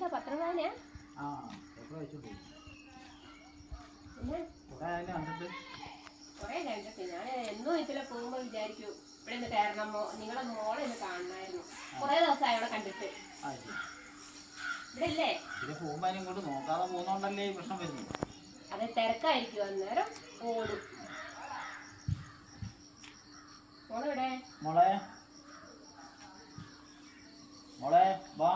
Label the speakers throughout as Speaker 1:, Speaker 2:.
Speaker 1: വായിച്ചോ? പത്രം വായനയാ? പിന്നെ കൊറേ കണ്ടിട്ട് ഞാൻ എന്നും ഇതിലെ പോകുമ്പോ വിചാരിക്കും ഇവിടെ നിന്ന് കയറണമോ, നിങ്ങളെ മോളെ ഒന്ന് കാണണമായിരുന്നു. കൊറേ ദിവസമായി അവിടെ കണ്ടിട്ട്. ഇവിടെ ഇല്ലേ? അതെ, തിരക്കായിരിക്കും. അന്നേരം ഓടും. മോളെവിടെ?
Speaker 2: മോളെ വാ.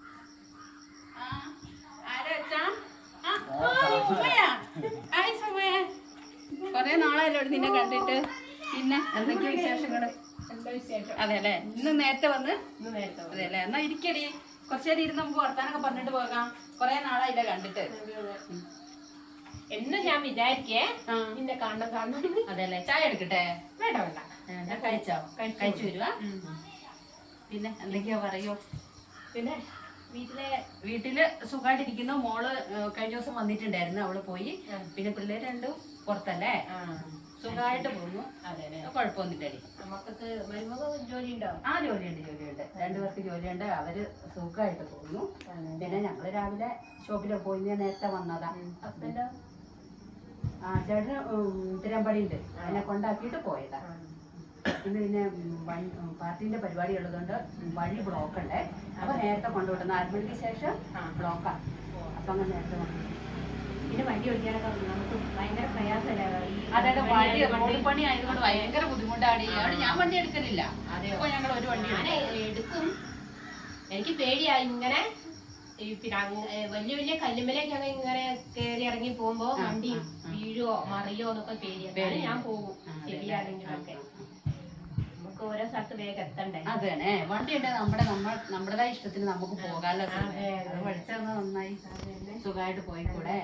Speaker 3: കൊറേ നാളായല്ലോ നിന്നെ കണ്ടിട്ട്. പിന്നെ എന്തൊക്കെയാ വിശേഷങ്ങള്? അതെ അല്ലേ, ഇന്ന് നേരത്തെ വന്ന്? അതെ അല്ലേ, എന്നാ ഇരിക്കടി, കുറച്ചേരം ഇരുന്ന് നമുക്ക് വർത്താനൊക്കെ പറഞ്ഞിട്ട് പോകാം. കൊറേ നാളായില്ല കണ്ടിട്ട്.
Speaker 1: എന്നും ഞാൻ വിചാരിക്കേ നിന്നെ കാണണം.
Speaker 3: അതെ അല്ലേ, ചായ എടുക്കട്ടെ?
Speaker 1: വേണ്ട വേണ്ട,
Speaker 3: ഞാൻ കഴിച്ചു വരുവാ. പിന്നെ എന്തൊക്കെയാ പറയോ?
Speaker 1: പിന്നെ
Speaker 3: വീട്ടില് സുഖമായിട്ടിരിക്കുന്നു. മോള് കഴിഞ്ഞ ദിവസം വന്നിട്ടുണ്ടായിരുന്നു, അവള് പോയി. പിന്നെ പിള്ളേര് രണ്ടും പുറത്തല്ലേ, സുഖമായിട്ട് പോകുന്നു. അതെ, കുഴപ്പമൊന്നുമില്ലടി.
Speaker 1: നമുക്കൊക്കെ ജോലിയുണ്ടോ?
Speaker 3: ജോലിയുണ്ട്. രണ്ടുപേർക്ക് ജോലിയുണ്ട്. അവര് സുഖമായിട്ട് പോകുന്നു. പിന്നെ ഞങ്ങള് രാവിലെ ഷോപ്പിലൊക്കെ പോയി, ഞാൻ നേരത്തെ വന്നതാ.
Speaker 1: ഹസ്ബൻഡോ?
Speaker 3: ചേട്ടന് തിരുവമ്പാടി ഉണ്ട്, അതിനെ കൊണ്ടാക്കിയിട്ട് പോയതാ. ഇന്ന് പിന്നെ പാർട്ടിന്റെ പരിപാടി ഉള്ളതുകൊണ്ട് വഴി ബ്ലോക്ക് ഉണ്ട്. അപ്പൊ നേരത്തെ കൊണ്ടുവിടുന്ന 6 മണിക്ക് ശേഷം ബ്ലോക്കാ. അപ്പൊ അങ്ങനെ നേരത്തെ കൊണ്ടുവിടും.
Speaker 1: പിന്നെ വണ്ടി ഓടിക്കാനൊക്കെ നമുക്ക് ഭയങ്കര പ്രയാസമല്ലേ?
Speaker 3: അതായത് വഴി റോഡ് പണി ആയതുകൊണ്ട് ഭയങ്കര ബുദ്ധിമുട്ടാണ്. അവിടെ ഞാൻ വണ്ടി എടുക്കുന്നില്ല. അപ്പൊ ഞങ്ങൾ ഒരു വണ്ടി
Speaker 1: എടുക്കും. എനിക്ക് പേടിയായി ഇങ്ങനെ പിന്നെ വലിയ വലിയ കല്ലുമലൊക്കെ ഇങ്ങനെ കയറി ഇറങ്ങി പോകുമ്പോ വണ്ടി വീഴോ മറിയോ എന്നൊക്കെ പേടിയാണ്. ഞാൻ പോകും ശരിയാണെങ്കിലൊക്കെ. നമുക്ക് ഓരോ സ്ഥലത്ത് വേഗം എത്തണ്ടേ?
Speaker 3: അതെ, വണ്ടി ഉണ്ട്. നമ്മുടേതായ ഇഷ്ടത്തിന് നമുക്ക് പോകാമല്ലോ. പഠിച്ചത് നന്നായി, സുഖമായിട്ട് പോയിക്കൂടെ?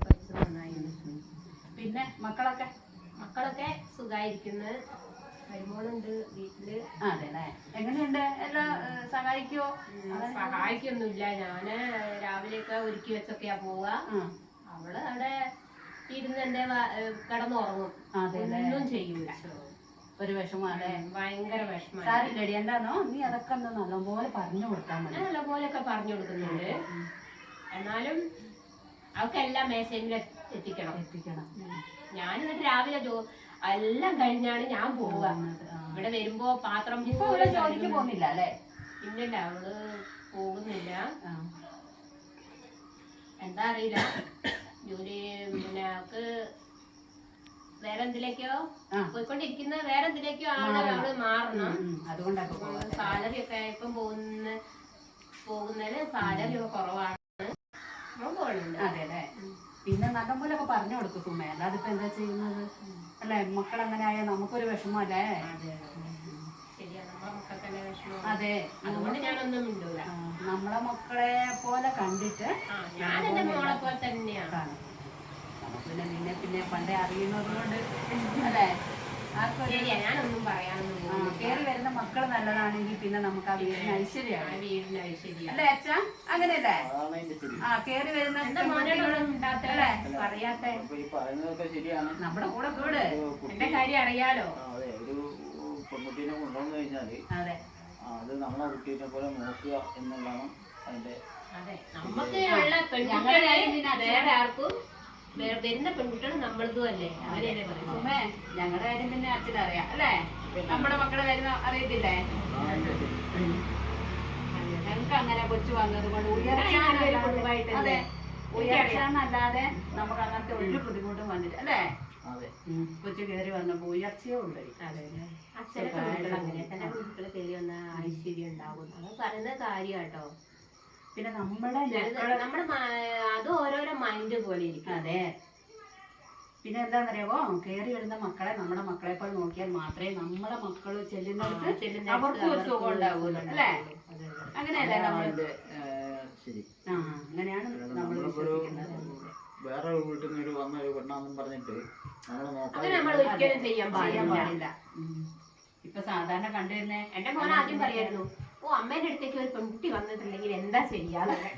Speaker 3: പിന്നെ
Speaker 1: മക്കളൊക്കെ സുഖായിരിക്കുന്നു. മരുമോളുണ്ട് വീട്ടില്.
Speaker 3: അതെല്ലേ, എങ്ങനെയുണ്ട്? എല്ലാം സഹായിക്കുവോ?
Speaker 1: സഹായിക്കൊന്നുമില്ല. ഞാന് രാവിലെയൊക്കെ ഒരുക്കി വെച്ചൊക്കെയാ പോവാ. അവള് അവിടെ ഇരുന്ന് എന്റെ കിടന്നുറങ്ങും. ഒന്നും ചെയ്യൂല.
Speaker 3: ഒരു വിഷമല്ലേ?
Speaker 1: ഭയങ്കര വിഷമം.
Speaker 3: സാരില്ലടി, എന്താണോ നീ അതൊക്കെ ഒന്ന് നല്ലപോലെ പറഞ്ഞു കൊടുത്താൽ മതി.
Speaker 1: നല്ലപോലെയൊക്കെ പറഞ്ഞു കൊടുക്കുന്നുണ്ട്. എന്നാലും അവക്കെല്ലാം മേശയിൽ എത്തിക്കണം. ഞാൻ എന്നിട്ട് രാവിലെ എല്ലാം കഴിഞ്ഞാണ് ഞാൻ പോവുക. ഇവിടെ വരുമ്പോ പാത്രം
Speaker 3: ജോലിക്ക് പോകുന്നില്ല അല്ലേ?
Speaker 1: ഇല്ലല്ല, അവള് പോകുന്നില്ല. എന്താ അറിയില്ല, ജോലി പിന്നെ അവക്ക് വേറെ എന്തിലേക്കോ പോയിക്കൊണ്ടിരിക്കുന്ന, വേറെ എന്തിലേക്കോ ആണ് അവള് മാറണം. അതുകൊണ്ടാണ് സാലറി ഒക്കെ ഇപ്പം പോകുന്നതിന് സാലറി ഒക്കെ കുറവാണ്.
Speaker 3: അതെ അല്ലേ, പിന്നെ നല്ലപോലൊക്കെ പറഞ്ഞു കൊടുക്കും സുമേ. അല്ലാതെ ഇപ്പൊ എന്താ ചെയ്യുന്നത് അല്ലെ? മക്കൾ അങ്ങനെ ആയാൽ നമുക്കൊരു വിഷമല്ലേ? അതെ,
Speaker 1: അതുകൊണ്ട് ഞാനൊന്നും മിണ്ടൂല.
Speaker 3: നമ്മളെ മക്കളെ പോലെ കണ്ടിട്ട്
Speaker 1: ഞാൻ എന്റെ മോളെ പോലെ തന്നെയാണ്.
Speaker 3: നമുക്ക് പിന്നെ പണ്ടേ അറിയുന്നത് കൊണ്ട് അല്ലേ,
Speaker 1: ഞാനൊന്നും പറയാനൊന്നും.
Speaker 3: കേറി വരുന്ന മക്കൾ നല്ലതാണെങ്കിൽ പിന്നെ നമുക്ക് ആ വീടിന് ഐശ്വര്യമാണ്. അല്ലേ അച്ഛാ? അങ്ങനെയല്ലേ? കേറി വരുന്ന നമ്മുടെ കൂടെ കൂട്.
Speaker 1: എന്റെ കാര്യം അറിയാലോ.
Speaker 2: പെൺകുട്ടീനെ കൊണ്ടുവന്നു കഴിഞ്ഞാല് അത് നമ്മളെ കുട്ടീനെ പോലെ നോക്കുക എന്നുള്ളതാണ് അതിന്റെ.
Speaker 1: നമുക്ക് ഉള്ള പെൺകുട്ടികളെ വേറെ ആർക്കും വരുന്ന പെൺകുട്ടികളും നമ്മളതും അല്ലേ? അവരെന്നെ പറയും.
Speaker 3: ഞങ്ങളുടെ കാര്യം പിന്നെ അച്ഛനറിയാം അല്ലേ? നമ്മുടെ മക്കളെ കാര്യം അറിയത്തില്ലേ? ഞങ്ങൾക്ക് അങ്ങനെ കൊച്ചു വന്നത് കൊണ്ട് ഉയർച്ചയെന്നല്ലാതെ നമുക്ക് അങ്ങനത്തെ ഒരു ബുദ്ധിമുട്ടും വന്നിട്ട് അല്ലേ? കൊച്ചു കയറി വന്നപ്പോ ഉയർച്ചയോ ഉണ്ട്.
Speaker 1: അച്ഛനെ അങ്ങനെ തന്നെ കുട്ടികളെ കയറി വന്ന ഐശ്വര്യം ഉണ്ടാവും. അത് പറയുന്ന കാര്യാട്ടോ.
Speaker 3: പിന്നെ നമ്മുടെ
Speaker 1: അത് ഓരോരോ മൈൻഡ് പോലെ ഇരിക്കും.
Speaker 3: അതെ, പിന്നെ എന്താണെന്നറിയാവോ, കയറി വരുന്ന മക്കളെ നമ്മുടെ മക്കളെ പോലെ നോക്കിയാൽ മാത്രമേ നമ്മളെ മക്കള് ചെല്ലുന്നിടത്ത് അവർക്ക് ഒരു സുഖം ഉണ്ടാവുള്ളൂ അല്ലേ? അങ്ങനെയല്ലേ നമ്മള്? അങ്ങനെയാണ് നമ്മൾ വിശ്വസിക്കുന്നത്.
Speaker 2: വേറെ വീട്ടിൽ നിന്ന് വന്ന ഒരു പെണ്ണാന്നും പറഞ്ഞിട്ട്
Speaker 1: നമ്മൾ ഒരിക്കലും ചെയ്യാൻ പാടില്ല.
Speaker 3: ഇപ്പൊ സാധാരണ കണ്ടുവരുന്നേ,
Speaker 1: എന്റെ മോനെ ആദ്യം പറയായിരുന്നു, അമ്മേന്റെ അടുത്തേക്ക് ഒരു പെൺകുട്ടി വന്നിട്ടുണ്ടെങ്കിൽ എന്താ ചെയ്യാന്നൊക്കെ.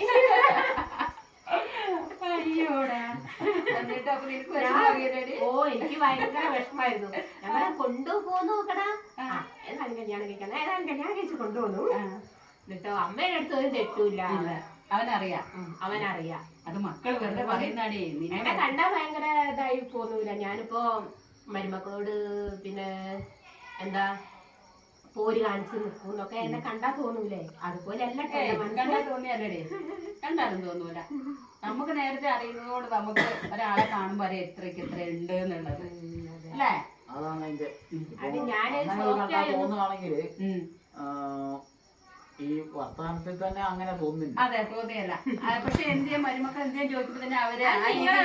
Speaker 1: എനിക്ക് ഭയങ്കര വിഷമായിരുന്നു. ഞങ്ങളെ കൊണ്ടുപോകുന്നു നോക്കടാ, ഏതായാലും കല്യാണം കഴിക്കണം, ഏതായാലും കല്യാണം കഴിച്ച് കൊണ്ടുപോകുന്നു. എന്നിട്ടോ അമ്മേന്റെ അടുത്ത് ഒരു തെറ്റൂല്ല.
Speaker 3: അവനറിയാം.
Speaker 1: അവനറിയാം.
Speaker 3: അത് മക്കൾ വെറുതെ പറയുന്നാടേ.
Speaker 1: എന്നെ കണ്ടാ ഭയങ്കര ഇതായി പോന്നൂല. ഞാനിപ്പോ മരുമക്കളോട് പിന്നെ എന്താ പോര് കാണിച്ച് നിൽക്കുന്നൊക്കെ എന്നെ കണ്ടാ തോന്നൂലേ? അതുപോലെ അല്ല
Speaker 3: കണ്ടാ തോന്നിയല്ലേ? കണ്ടാലും തോന്നൂല. നമുക്ക് നേരത്തെ അറിയുന്നതുകൊണ്ട് നമുക്ക് ഒരാളെ കാണുമ്പോ അറിയാം എത്രക്ക് എത്ര ഉണ്ട് എന്നുള്ളത് അല്ലേ?
Speaker 2: അതാണ് അതിന്റെ
Speaker 1: തോന്നുവാണെങ്കിൽ
Speaker 2: ഈ വർത്തമാനത്തിൽ തന്നെ അങ്ങനെ തോന്നുന്നില്ല.
Speaker 3: അതെ, തോന്നിയല്ല. പക്ഷെ എന്തിയാ മരുമക്കൾ എന്തിയാ ചോദിക്കുമ്പോ തന്നെ അവര് ആ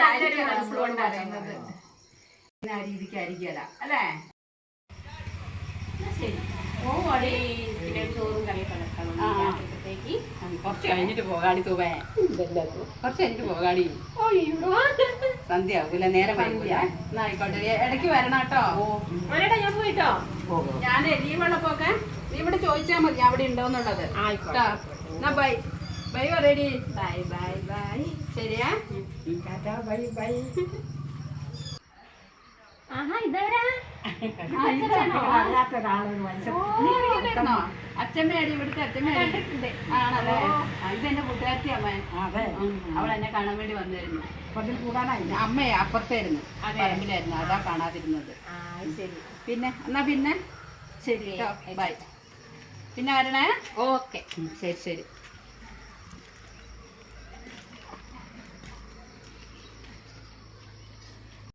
Speaker 3: രീതിക്കായിരിക്കല അല്ലേ? ശരി,
Speaker 1: ചോറും കറിയൊക്കെ
Speaker 3: കുറച്ച് കഴിഞ്ഞിട്ട് പോകാടി തൂവേ. കുറച്ച് കഴിഞ്ഞിട്ട് പോകാടി. സന്ധ്യ ആവൂല, നേരം വൈകൂല. ആയിക്കോട്ടെ, ഇടയ്ക്ക് വരണം കേട്ടോ.
Speaker 1: ഞാൻ പോയിട്ടോ.
Speaker 3: ഞാൻ ലീവുള്ളപ്പോക്കെ നീ ഇവിടെ ചോദിച്ചാൽ മതി അവിടെ ഉണ്ടോന്നുള്ളത്. എന്നാ ബൈ ബൈ പറയടി.
Speaker 1: Bye bye bye.
Speaker 3: ശരിയാ,
Speaker 1: ബൈ ബൈ. ആഹാ, ഇതാരാ?
Speaker 3: അച്ഛമ്മയാടി, ഇവിടുത്തെ അച്ഛമ്മയാടി. ആണല്ലേ? ഇതെന്റെ കൂട്ടുകാരത്തി അമ്മ. അവൾ എന്നെ കാണാൻ വേണ്ടി വന്നിരുന്നു. അമ്മയെ അപ്പുറത്തായിരുന്നു, പറമ്പിലായിരുന്നു. അതാ കാണാതിരുന്നത്. പിന്നെ എന്നാ പിന്നെ ശരി കേട്ടോ, ബൈ. പിന്നെ വരണേ.
Speaker 1: ഓക്കെ,
Speaker 3: ശരി ശരി.